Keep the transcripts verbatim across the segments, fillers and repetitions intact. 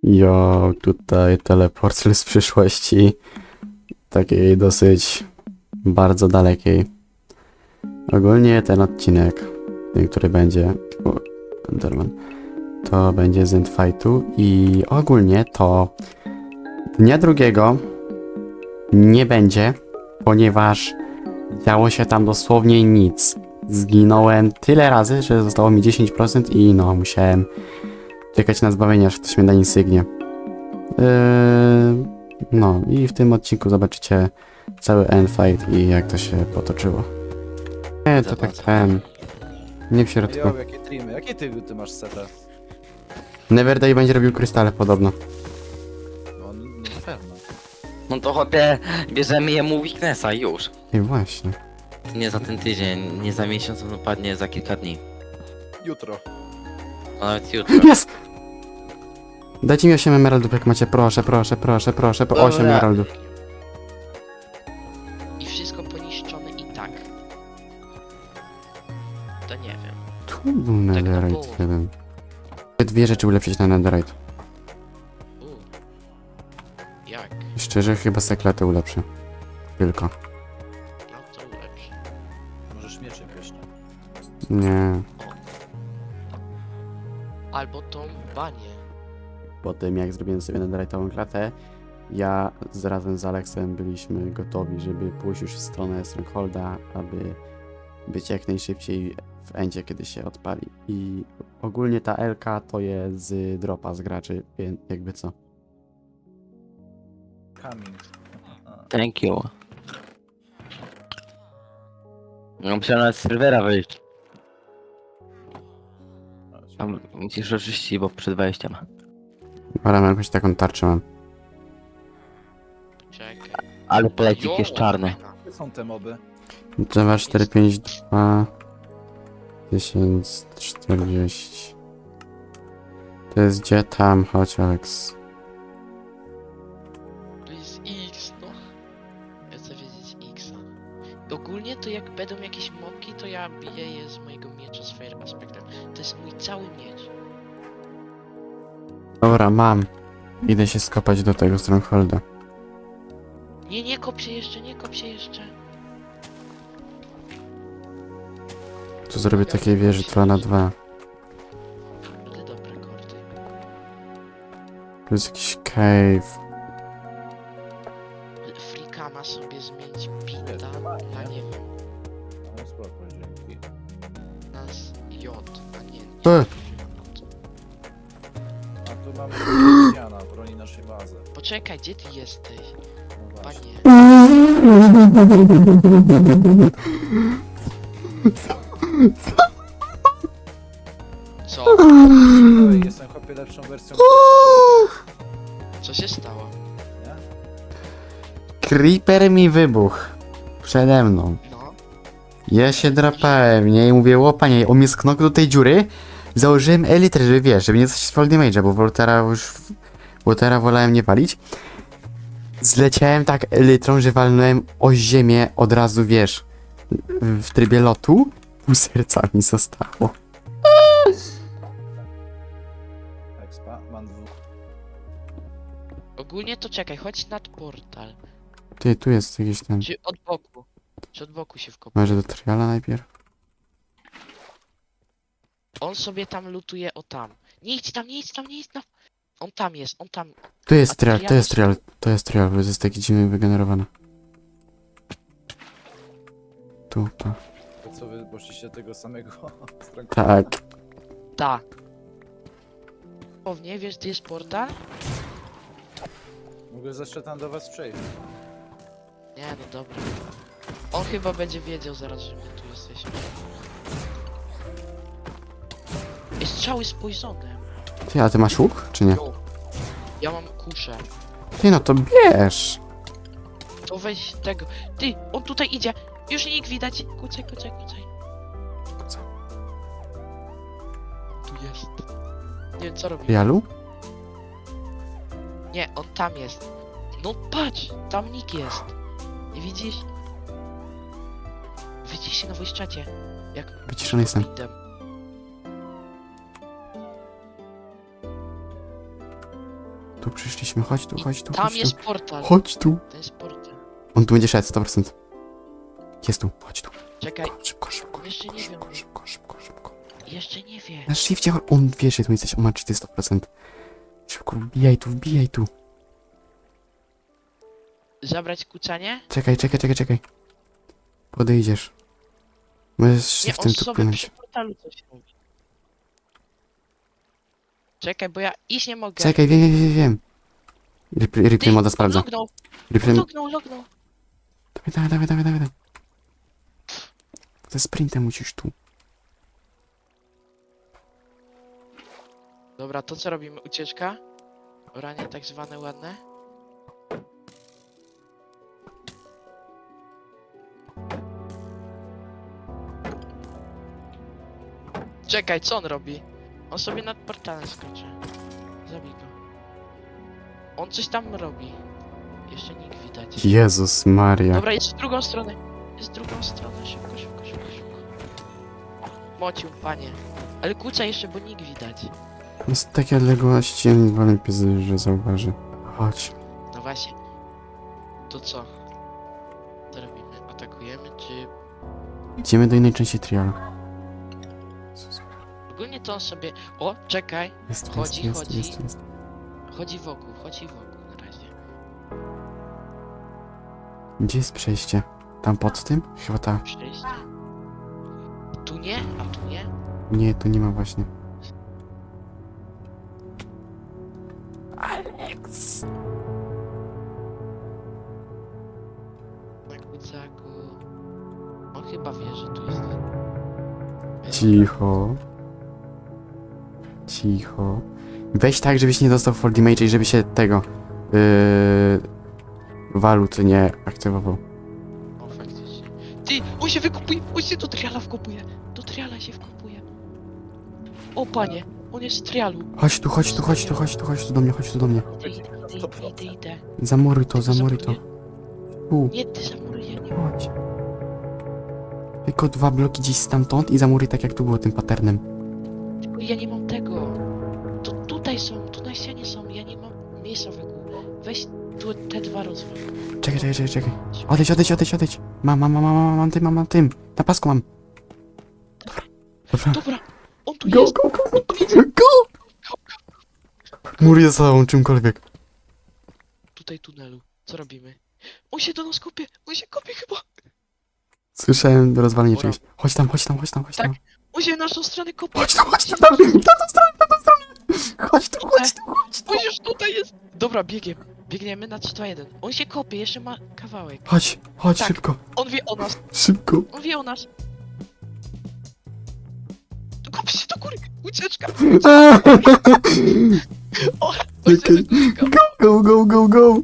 Jo, tutaj teleport z przyszłości, takiej dosyć bardzo dalekiej. Ogólnie ten odcinek, ten, który będzie, o, Enderman, to będzie z Endfightu i ogólnie to dnia drugiego nie będzie, ponieważ działo się tam dosłownie nic. Zginąłem tyle razy, że zostało mi dziesięć procent i no, musiałem czekać na zbawienie, aż ktoś mnie da insygnię. Yy, no i w tym odcinku zobaczycie cały endfight i jak to się potoczyło. Nie, to tak ten... Nie w środku. Jo, jakie streamy, jakie ty, ty masz setę? Neverday będzie robił krystale podobno. No, no na pewno. No to chłopie, bierzemy jemu weaknessa już. I właśnie. Nie za ten tydzień, nie za miesiąc, on upadnie za kilka dni. Jutro. A nawet jutro. Jest! Dajcie mi osiem emeraldów jak macie, proszę, proszę, proszę, proszę, po Dobra. osiem emeraldów. I wszystko poniszczone i tak. To nie wiem. Tu był na netherite połowę. jeden. Dwie rzeczy ulepszyć na netherite. U. Jak? Szczerze, chyba sekletę ulepszę. Tylko. No to ulepsz. Możesz miecze pieśne. Nie. Albo tą banię. Po tym jak zrobiłem sobie netherite'ową klatę, ja z, razem z Aleksem byliśmy gotowi, żeby pójść już w stronę Strongholda, aby być jak najszybciej w endzie, kiedy się odpali. I ogólnie ta L K to jest z dropa z graczy, więc jakby co. Coming. Thank you. No musiałem nawet z serwera wyjść. Tam musisz oczyścić, bo przed wejściem. Ale mam jakąś taką tarczę mam. Czekaj. Ale polecik Jo, jest czarny. fajna. Gdzie są te moby? Java cztery pięć dwa tysiąc czterdzieści. To jest gdzie tam? Chodź Alex. To jest X, no. Ja chcę wiedzieć Xa. Ogólnie to jak będą jakieś mobki, to ja biję je z mojego miecza z Fire Aspectem. To jest mój cały miecz. Dobra, mam. Idę się skopać do tego Strongholda. Nie, nie kop się jeszcze, nie kop się jeszcze. Tu zrobię takiej wieży dwa na dwa. Będę dobre kordy. Tu jest jakiś cave. Frika ma sobie zmienić pita Jest, na nie wiem, No spoko, dzięki. na z J, a nie. E! A tu mamy Diana, broni naszej bazy. Poczekaj, gdzie ty jesteś? No właśnie. Panie. Co? Ej, jestem chłopie lepszą wersją. Co się stało? Nie? Creeper mi wybuchł. Przede mną. No. Ja się drapałem, nie? I mówię, o panie, on mnie sknął do tej dziury. Założyłem elytrę, żeby wiesz, żeby nie coś z Fall Damage'a, bo Voltera już... Voltera wolałem nie palić. Zleciałem tak elytrą, że walnąłem o ziemię od razu, wiesz, w trybie lotu. Pół serca mi zostało. Expa, mam dwóch. Ogólnie to czekaj, chodź nad portal. Ty, tu jest jakiś ten... Czy od boku? Czy od boku się wkopał? Może do triala najpierw? On sobie tam lutuje o tam. Nie idź tam, nie idź tam, nie idź tam. On tam jest, on tam. Tu jest A trial, to trial jest jest- trial, to jest trial, bo jest taki dziwny wygenerowany. Tu, to. To co wy poszliście tego samego stronę? Tak. Ta. Pewnie wiesz, gdzie jest portal? Mogę jeszcze tam do was przejść. Nie, no dobra. On chyba będzie wiedział zaraz, że my tu jesteśmy. Jest strzały z poisonem. Ty, a ty masz łuk, czy nie? Jo. Ja mam kuszę. Ty, no to bierz! To weź tego. Ty, on tutaj idzie. Już nikt widać. Kucaj, kucaj, kucaj. Co? Tu jest. Nie wiem co robi. Trialu? Nie, on tam jest. No patrz, tam nikt jest. Nie widzisz? Widzisz się na voice czacie. Jak Wyciszony jestem. widzę. Tu przyszliśmy, chodź tu, chodź tu, Tam chodź jest tu. portal. Chodź tu. To jest portal. On tu będzie szedł, sto procent. Jest tu, chodź tu. Czekaj, Szybko, szybko, jeszcze szybko, nie wiem. szybko, szybko, szybko, szybko. jeszcze nie wie. Na shifcie, on wie, że tu jesteś, on ma cheaty sto procent. Szybko, wbijaj tu, wbijaj tu. Zabrać kucanie? Czekaj, czekaj, czekaj, czekaj. Podejdziesz. Możesz Nie, shiftem on tu sobie płynąć. przy portalu coś robi. Czekaj, bo ja iść nie mogę. Czekaj, wiem, wiem, wiem, wiem. Replay, replay moda sprawdza. Lognął, Replay... lognął, lognął. Dawaj, dawaj, dawaj, dawaj, dawaj. Ze sprintem musisz tu. Dobra, to co robimy? Ucieczka? Oranie tak zwane ładne? Czekaj, co on robi? On sobie nad portalem skoczy. Zabij go. On coś tam robi. Jeszcze nikt widać. Jezus Maria. Dobra, jest w drugą stronę. Jest w drugą stronę. Szybko, szybko, szybko, szybko. Mocił, panie. Ale kłóca jeszcze, bo nikt widać. No z takiej odległości ja nie wolę piezy, że zauważy. Chodź. No właśnie. To co? Co robimy? Atakujemy, czy... Idziemy do innej części trial. Ogólnie to on sobie... O, czekaj. Jest, tu, Chodzi, jest, jest, chodzi. jest, jest. Chodzi wokół, chodzi wokół na razie. Gdzie jest przejście? Tam pod tym? Chyba ta. Przejście. Tu nie? A tu nie? Nie, tu nie ma właśnie. Alex! Na kucaku. On chyba wie, że tu jest... Cicho. Cicho. Weź tak, żebyś nie dostał fall damage i żeby się tego... Yy, walut nie aktywował. O, faktycznie. Ty, on się wykupuje, on się do triala wkopuje. Do triala się wkopuje. O, panie, on jest w trialu. Chodź tu, chodź tu, chodź tu, chodź tu, chodź tu do mnie, chodź tu do mnie. Idę, idę, idę, idę, idę. Zamuruj to, Ty go zamuruj to. zamuruję. Tu, Nie, ty zamuruję, nie. chodź. Tylko dwa bloki gdzieś stamtąd i zamuruj tak jak tu było tym patternem. Tylko ja nie mam tego. To tutaj są, tu na ścianie są, ja nie mam miejsca wokół. Weź tu te dwa rozwal. Czekaj, czekaj, czekaj, czekaj. Odejdź, odejdź, odejdź, odejdź. Mam, mam, mam, mam, mam, mam tym, mam, mam tym. Na pasku mam. Dobra. Dobra, on tu Go, jest, go, go, on tu jest. go! Mur jest całą czymkolwiek. Tutaj tunelu. Co robimy? On się do nas kopie, on się kopie chyba. Słyszałem rozwalenie Dobra. czegoś. Chodź tam, chodź tam, chodź tam, chodź Tak. tam. On się w naszą stronę kopie. Chodź tam, chodź tam, tam, tam, tam, tam, tam, tam. Chodź tu, chodź tu, chodź tu. On już tutaj jest. Dobra, biegiem. Biegniemy na trzy, dwa, jeden. On się kopie, jeszcze ma kawałek. Chodź, chodź, Tak. szybko, On wie o nas, szybko. on wie o nas. Kop się do góry, ucieczka. O, on się Czekaj. wykopie. Go, go, go, go.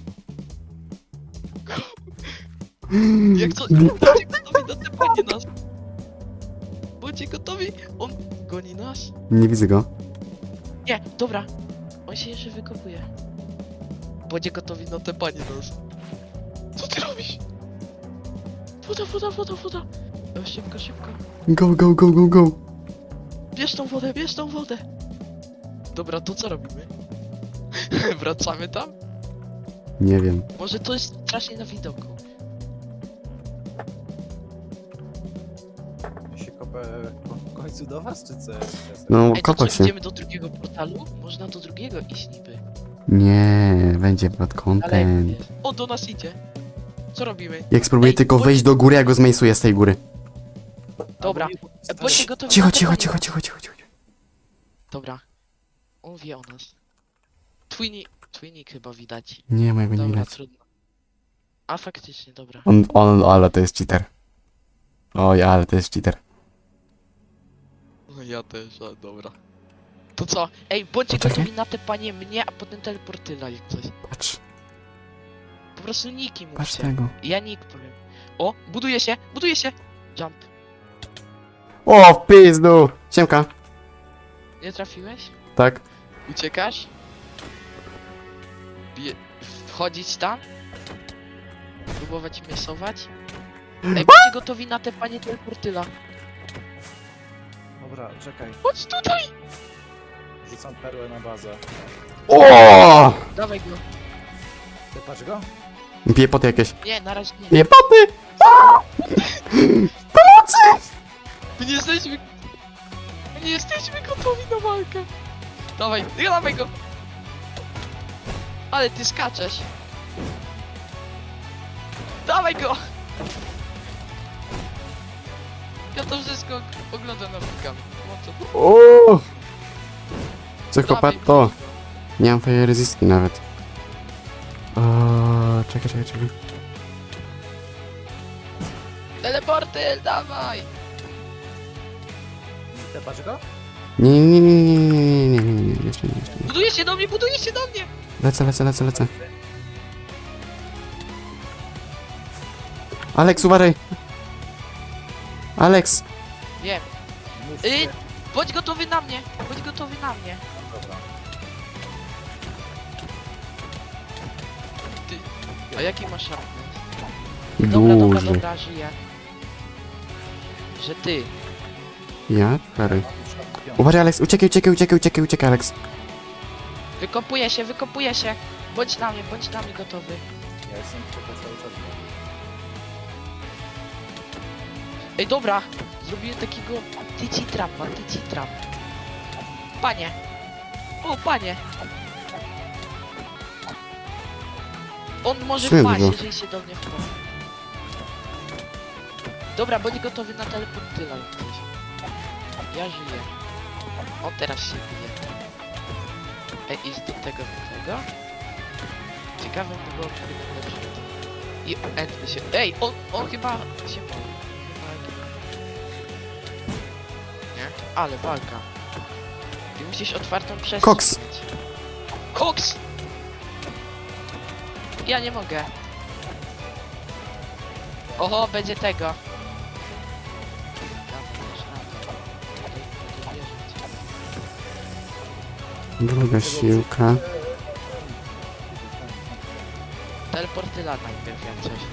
Jak co? Bądźcie gotowi na tepanie nas. Bądźcie gotowi. On goni nas. Nie widzę go. Nie, dobra. On się jeszcze wykopuje. Bądźcie gotowi na tepanie nas. Co ty robisz? Woda, woda, woda, woda. E, Szybko, szybko. Go, go, go, go, go. Bierz tą wodę, bierz tą wodę. Dobra, to co robimy? Wracamy tam? Nie wiem. Może to jest strasznie na widoku. Ja się kopę w końcu do was, czy co? No, Ej, to co, kopać się. idziemy do drugiego portalu? Można do drugiego iść niby. Nie, będzie bad Ale content. o, do nas idzie. Co robimy? Jak spróbuję Ej, tylko bądź- wejść do góry, ja go zmejsuję z tej góry. Dobra. E, Bądźcie gotowi Cicho, na cicho, tepanie cicho, nas. cicho, cicho, cicho. Dobra. On wie o nas. Twinny, Twinnik chyba widać. Nie, mojego nie Dobra, widać. trudno. A faktycznie, dobra. On, on, ale to jest cheater. Oj, ale to jest cheater. No ja też, a dobra. To co? Ej, bądźcie Poczekaj. gotowi na tepanie mnie, a potem teleportyla jak coś. Patrz, Po prostu niki patrz mówcie. tego. Ja nick powiem. O, buduje się, buduje się! Jump. O, w pizdu! Siemka. Nie trafiłeś? Tak? Uciekasz? Bie... Wchodzić tam? Próbować miesować? Ej, bądźcie gotowi na te panie teleportyla. Dobra, czekaj. Chodź tutaj! Rzucam perłę na bazę. O! Dawaj go. Ty patrz go? Piepoty jakieś. Nie, na razie nie. Piepoty! My nie jesteśmy... My nie jesteśmy gotowi na walkę. Dawaj, dawaj go. Ale ty skaczesz. Dawaj go. Ja to wszystko oglądam na wulkan. O! Psychopato! Nie mam fire resistki nawet. O, czekaj, czekaj, czekaj. Teleporty, dawaj. Ty patrz go? Nie, nie, nie, nie, nie, nie, nie, nie, nie, jeszcze nie, jeszcze nie. Buduje się do mnie, buduje się do mnie. Lecę, lecę, lecę, lecę. Alex, uważaj! Alex! Wiem. Mów Y, się. bądź gotowy na mnie. Bądź gotowy na mnie. Dobra. A jaki masz sharpness? Dobra, dobra, Duży. dobra, żyję. Że ty. Ja? Cztery. Mam już piątkę. Uważaj, Alex, uciekaj, uciekaj, uciekaj, uciekaj, uciekaj, Alex. Wykopuje się, wykopuje się. Bądź na mnie, bądź na mnie gotowy. Ja jestem tylko cały czas. Ej, dobra. Zrobiłem takiego tyci trapa, tyci trap. Panie. O, panie. On może Syn wpaść, go. jeżeli się do mnie wchodzi. Dobra, bądź gotowy na teleportyla jak coś. Ja żyję. On teraz się bije. Ej, idź do tego, do tego. Ciekawe by było, kiedy będę lepszy. I end się... Ej, on, on chyba się boi. Chyba... Nie? Ale walka. Ty musisz otwartą przestrzeń Koks. mieć. Koks! Ja nie mogę. Oho, będzie tego. Dawaj, dasz radę. Będę wierzyć. Druga siłka. Teleportyla najpierw jak coś.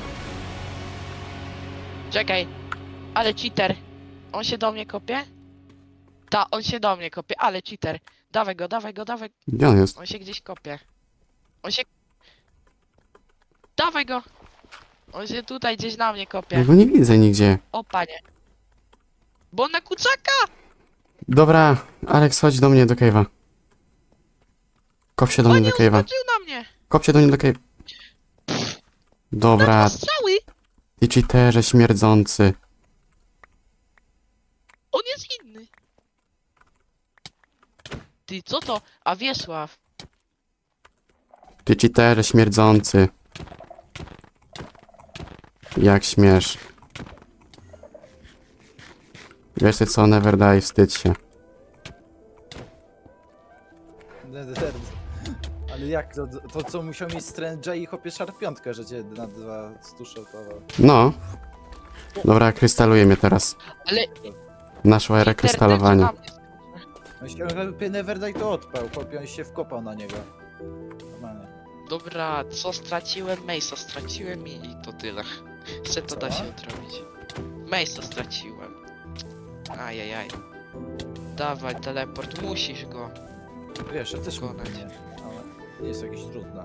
Czekaj. Ale cheater. On się do mnie kopie? Ta, on się do mnie kopie, ale cheater. Dawaj go, dawaj go, dawaj. Gdzie on jest? On się gdzieś kopie. On się... Dawaj go! On się tutaj gdzieś na mnie Ja kopie. go nie widzę nigdzie. O panie. Bo on na kucaka! Dobra, Alex, chodź do mnie do cave'a. Kop się do mnie Panie, do on cave'a. skoczył na mnie! Kop się do mnie do cave'a. Dobra, Dobra. Strzały! ty cheaterze śmierdzący. On jest inny. Ty, co to? A Wiesław. Ty cheaterze śmierdzący. Jak śmiesz. Wiesz ty co, never die, wstydź się. Ale jak to, to co musiał mieć Strange i chopie Sharp piątkę, że cię na dwa stuszotował. No. Dobra, krystaluje mnie teraz. Ale... Naszła era krystalowania. Internet na mnie Jeśli on Neverdaj to odpał, chłopie on się wkopał na niego. Normalnie. Dobra, co straciłem? Mace'a straciłem i to tyle. Jeszcze to da Co? się odrobić. Mace'a straciłem. Ajajaj. Dawaj, teleport, musisz go. Wiesz, ja też Wykonać. mówię, ale nie jest jakieś trudne.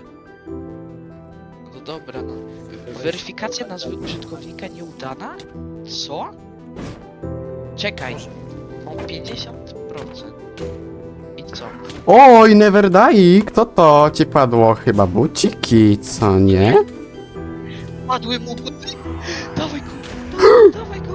No dobra, no. Weryfikacja nazwy użytkownika nieudana? Co? Czekaj, mam pięćdziesiąt procent. I co? Oj, never die! Kto to ci padło? Chyba buciki, co nie? Padły mu buty! Dawaj go! Dawaj, dawaj go!